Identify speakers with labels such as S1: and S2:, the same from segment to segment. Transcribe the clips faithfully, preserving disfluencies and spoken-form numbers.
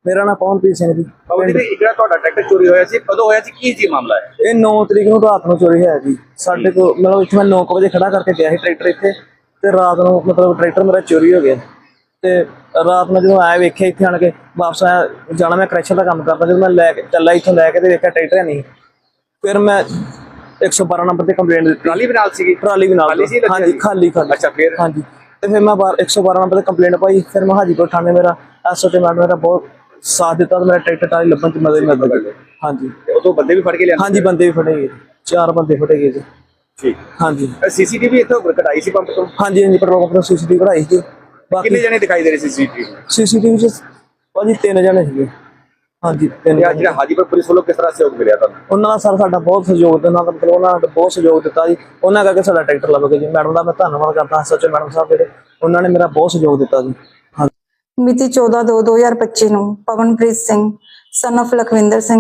S1: ਮੇਰਾ ਨਾਮ ਪਵਨਪ੍ਰੀਤ ਸਿੰਘ ਜੀ।
S2: ਬਾਬੂ ਜੀ ਇੱਕ ਜਿਹੜਾ ਤੁਹਾਡਾ ਟਰੈਕਟਰ ਚੋਰੀ ਹੋਇਆ ਸੀ, ਕਦੋਂ ਹੋਇਆ ਸੀ, ਕੀ ਸੀ ਮਾਮਲਾ ਹੈ?
S1: ਇਹ ਨੌ ਤਰੀਕ ਨੂੰ ਰਾਤ ਨੂੰ ਚੋਰੀ ਹੋਇਆ ਜੀ। ਸਾਡੇ ਕੋਲ ਮਤਲਬ ਇੱਥੇ ਮੈਂ ਨੌ ਕੁ ਵਜੇ ਖੜਾ ਕਰਕੇ ਗਿਆ ਸੀ ਟਰੈਕਟਰ ਇੱਥੇ, ਤੇ ਰਾਤ ਨੂੰ ਮਤਲਬ ਟਰੈਕਟਰ ਮੇਰਾ ਚੋਰੀ ਹੋ ਗਿਆ। ਤੇ ਰਾਤ ਨੂੰ ਜਦੋਂ ਆਇਆ ਵੇਖਿਆ ਇੱਥੇ ਆਣ ਕੇ ਵਾਪਸ ਆਇਆ, ਜਾਣਾ ਮੈਂ ਕਰੈਕਸ਼ਨ ਦਾ ਕੰਮ ਕਰਦਾ, ਜਦੋਂ ਮੈਂ ਲੈ ਕੇ ਚੱਲਾ ਇੱਥੋਂ ਲੈ ਕੇ ਤੇ ਵੇਖਿਆ ਟਰੈਕਟਰ ਨਹੀਂ। ਫਿਰ ਮੈਂ ਇੱਕ ਸੌ ਬਾਰਾਂ ਨੰਬਰ ਤੇ ਕੰਪਲੇਂਟ ਦਿੱਤੀ।
S2: ਟਰਾਲੀ ਵੀ ਨਾਲ ਸੀਗੀ?
S1: ਟਰਾਲੀ ਵੀ ਨਾਲ, ਹਾਂਜੀ ਖਾਲੀ ਖਾਲੀ।
S2: ਅੱਛਾ, ਫਿਰ?
S1: ਹਾਂਜੀ, ਤੇ ਫਿਰ ਮੈਂ ਇੱਕ ਸੌ ਬਾਰਾਂ ਨੰਬਰ ਤੇ ਕੰਪਲੇਂਟ ਪਾਈ। ਫਿਰ ਮੈਂ ਹਾਜੀਪੁਰ ਥਾਣੇ ਮੇਰਾ ਐਸ ਓ ਤੇ ਮੈਡਮ ਮੇਰਾ ਬਹੁਤ ਸਾਥ ਦਿੱਤਾ ਤੇ ਮੇਰਾ ਟਰੈਕਟਰ ਟਰਾਲੀ ਲੱਭਣ ਚ ਮਦਦ ਮਿਲ ਗਈ। ਹਾਂਜੀ,
S2: ਉਦੋਂ ਬੰਦੇ ਵੀ ਫੜ ਕੇ ਲਿਆ?
S1: ਹਾਂਜੀ, ਬੰਦੇ ਵੀ ਫੜੇ ਗਏ, ਚਾਰ ਬੰਦੇ ਫੜੇ ਗਏ ਜੀ।
S2: ਠੀਕ,
S1: ਹਾਂਜੀ।
S2: ਸੀਸੀਟੀਵੀ ਇੱਥੋਂ ਕਢਾਈ ਸੀ ਪੰਪ ਤੋਂ?
S1: ਹਾਂਜੀ ਹਾਂਜੀ, ਪੈਟਰੋਲ ਪੰਪ ਤੋਂ ਸੀਸੀਟੀਵੀ ਕਢਾਈ ਸੀ।
S2: ਕਿੰਨੇ ਜਣੇ ਦਿਖਾਈ ਦੇ ਰਹੇ ਸੀ ਸੀਸੀਟੀਵੀ?
S1: ਸੀਸੀਟੀਵੀ ਚ ਭਾਜੀ ਤਿੰਨ ਜਣੇ ਸੀਗੇ। ਹਾਂਜੀ, ਤਿੰਨ।
S2: ਜਿਹੜਾ ਹਾਜੀਪੁਰ ਪੁਲਿਸ ਵੱਲੋਂ ਕਿਸ ਤਰ੍ਹਾਂ ਸਹਿਯੋਗ ਮਿਲਿਆ ਤੁਹਾਨੂੰ?
S1: ਉਹਨਾਂ ਦਾ ਸਰ ਸਾਡਾ ਬਹੁਤ ਸਹਿਯੋਗ ਦਿੱਤਾ, ਉਹਨਾਂ ਦਾ ਮਤਲਬ ਉਹਨਾਂ ਨੇ ਬਹੁਤ ਸਹਿਯੋਗ ਦਿੱਤਾ ਜੀ। ਉਹਨਾਂ ਕਰਕੇ ਸਾਡਾ ਟਰੈਕਟਰ ਲੱਭ ਗਿਆ ਜੀ। ਮੈਡਮ ਦਾ ਮੈਂ ਧੰਨਵਾਦ ਕਰਦਾ, ਸੱਚੋ ਮੈਡਮ ਸਾਹਿਬ ਜਿਹੜੇ, ਉਹਨਾਂ ਨੇ ਮੇਰਾ ਬਹੁਤ ਸਹਿਯੋਗ ਦਿੱਤਾ ਜੀ।
S3: ਮਿਤੀ ਚੌਦਾਂ ਦੋ ਦੋ ਹਜ਼ਾਰ ਪੱਚੀ ਨੂੰ ਪਵਨਪ੍ਰੀਤ ਸਿੰਘ ਸਨ ਆਫ ਲਖਵਿੰਦਰ ਸਿੰਘ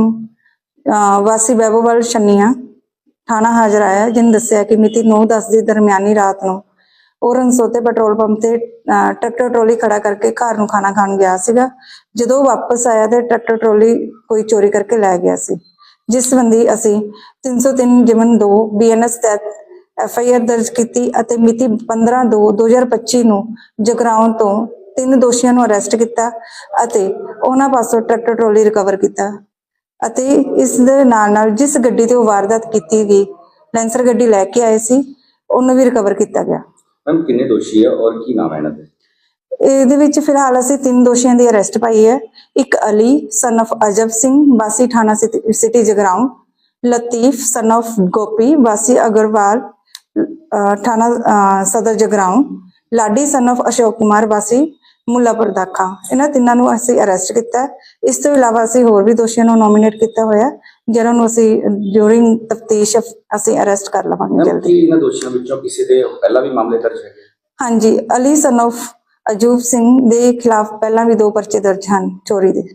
S3: ਵਾਸੀ ਬੈਬੋਵਾਲ ਛੰਨੀਆਂ ਥਾਣਾ ਹਾਜ਼ਰ ਆਇਆ, ਜਿਹਨੇ ਦੱਸਿਆ ਕਿ ਮਿਤੀ ਨੌ ਦਸ ਦੀ ਦਰਮਿਆਨੀ ਰਾਤ ਨੂੰ ਉਹ ਰਣਸੋਤੇ ਪੈਟਰੋਲ ਪੰਪ ਤੇ ਟਰੈਕਟਰ ਟਰੋਲੀ ਖੜਾ ਕਰਕੇ ਘਰ ਨੂੰ ਖਾਣਾ ਖਾਣ ਗਿਆ ਸੀਗਾ। ਜਦੋਂ ਉਹ ਵਾਪਸ ਆਇਆ ਤੇ ਟਰੈਕਟਰ ਟਰੋਲੀ ਕੋਈ ਚੋਰੀ ਕਰਕੇ ਲੈ ਗਿਆ ਸੀ, ਜਿਸ ਸੰਬੰਧੀ ਅਸੀਂ ਤਿੰਨ ਸੌ ਤਿੰਨ ਜਿਮਨ ਦੋ ਬੀ ਐਨ ਐਸ ਤਹਿਤ ਐਫ ਆਈ ਆਰ ਦਰਜ ਕੀਤੀ ਅਤੇ ਮਿਤੀ ਪੰਦਰਾਂ ਦੋ ਦੋ ਹਜ਼ਾਰ ਪੱਚੀ ਨੂੰ ਜਗਰਾਉਂ ਤੋਂ ਤਿੰਨ ਦੋਸ਼ੀਆਂ ਨੂੰ ਅਰੈਸਟ ਕੀਤਾ ਅਤੇ ਉਹਨਾਂ ਪਾਸੋਂ ਟਰੈਕਟਰ ਟਰੋਲੀ ਰਿਕਵਰ ਕੀਤਾ। ਅਤੇ ਇਸ ਦੇ ਨਾਲ ਨਾਲ ਜਿਸ ਗੱਡੀ ਤੇ ਉਹ ਵਾਰਦਾਤ ਕੀਤੀ ਗਈ, ਲੈਂਸਰ ਗੱਡੀ ਲੈ ਕੇ ਆਏ ਸੀ, ਉਹਨੂੰ ਵੀ ਰਿਕਵਰ ਕੀਤਾ ਗਿਆ।
S2: ਮੈਮ ਕਿੰਨੇ ਦੋਸ਼ੀ ਹੈ ਔਰ ਕੀ ਨਾਮ ਹੈ ਇਹਨਾਂ ਦੇ?
S3: ਇਹਦੇ ਵਿੱਚ ਫਿਲਹਾਲ ਅਸੀਂ ਤਿੰਨ ਦੋਸ਼ੀਆਂ ਦੀ ਅਰੈਸਟ ਪਾਈ ਹੈ। ਇੱਕ ਅਲੀ ਸਨ ਆਫ ਅਜਬ ਸਿੰਘ ਵਾਸੀ ਥਾਣਾ city Jagraon, Latif son of Gopi ਵਾਸੀ ਅਗਰਵਾਲ ਥਾਣਾ ਸਦਰ ਜਗਰਾਉਂ, ਲਾਡੀ ਸਨ ਆਫ ਅਸ਼ੋਕ ਕੁਮਾਰ ਵਾਸੀ ਮੁੱਲਾਪੁਰ ਦਾਖਾ। ਇਹਨਾਂ ਤਿੰਨਾਂ ਨੂੰ ਅਸੀਂ ਅਰੈਸਟ ਕੀਤਾ। ਇਸ ਤੋਂ ਇਲਾਵਾ ਅਸੀਂ ਹੋਰ ਵੀ ਦੋਸ਼ੀਆਂ ਨੂੰ ਨੋਮੀਨੇਟ ਕੀਤਾ ਹੋਇਆ, ਜਿਹਨਾਂ ਨੂੰ ਅਸੀਂ ਡਿਊਰਿੰਗ ਤਫਤੀਸ਼ ਅਸੀਂ ਅਰੈਸਟ ਕਰ ਲਵਾਂਗੇ ਜਲਦੀ।
S2: ਕੀ ਇਹਨਾਂ ਦੋਸ਼ੀਆਂ ਵਿੱਚੋਂ ਕਿਸੇ ਦੇ ਪਹਿਲਾਂ ਵੀ ਮਾਮਲੇ ਦਰਜ ਹੈਗੇ?
S3: ਹਾਂਜੀ, ਅਲੀ ਸਨ ਆਫ ਅਜੂਬ ਸਿੰਘ ਦੇ ਖਿਲਾਫ ਪਹਿਲਾਂ ਵੀ ਦੋ ਪਰਚੇ ਦਰਜ ਹਨ ਚੋਰੀ ਦੇ।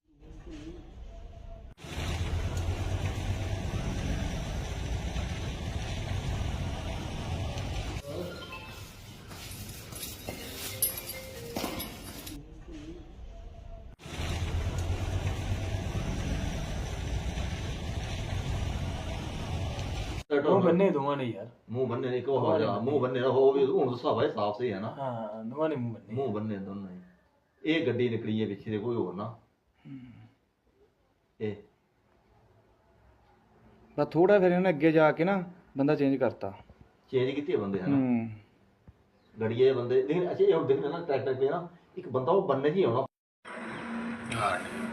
S4: ਮੂੰਹ ਬੰਨੇ ਦੋਵਾਂ ਨੇ ਯਾਰ,
S5: ਮੂੰਹ ਬੰਨੇ ਨੇ ਕੋ ਹੋ ਜਾ, ਮੂੰਹ ਬੰਨੇ ਨਾ ਹੋਵੇ ਹੁਣ ਦੱਸਾ ਭਾਈ ਸਾਫ ਸਹੀ ਹੈ ਨਾ।
S4: ਹਾਂ, ਦੋਵਾਂ ਨੇ ਮੂੰਹ ਬੰਨੇ,
S5: ਮੂੰਹ ਬੰਨੇ ਦੋਨਾਂ ਹੀ। ਇਹ ਗੱਡੀ ਨਿਕਲੀ ਹੈ ਪਿੱਛੇ ਦੇ ਕੋਈ ਹੋਰ ਨਾ। ਇਹ
S4: ਬਸ ਥੋੜਾ ਫਿਰ ਇਹਨੇ ਅੱਗੇ ਜਾ ਕੇ ਨਾ ਬੰਦਾ ਚੇਂਜ ਕਰਤਾ,
S5: ਚੇਂਜ ਕੀਤੇ ਬੰਦੇ ਹਨ
S4: ਹੂੰ
S5: ਗੜੀਏ ਬੰਦੇ। ਲੇਕਿਨ ਅੱਛਾ ਇਹ ਹੁਣ ਦੇਖਣਾ ਨਾ ਟਰੈਕਟਰ ਤੇ ਨਾ ਇੱਕ ਬੰਦਾ ਉਹ ਬੰਨੇ ਜੀ ਆਉਣਾ।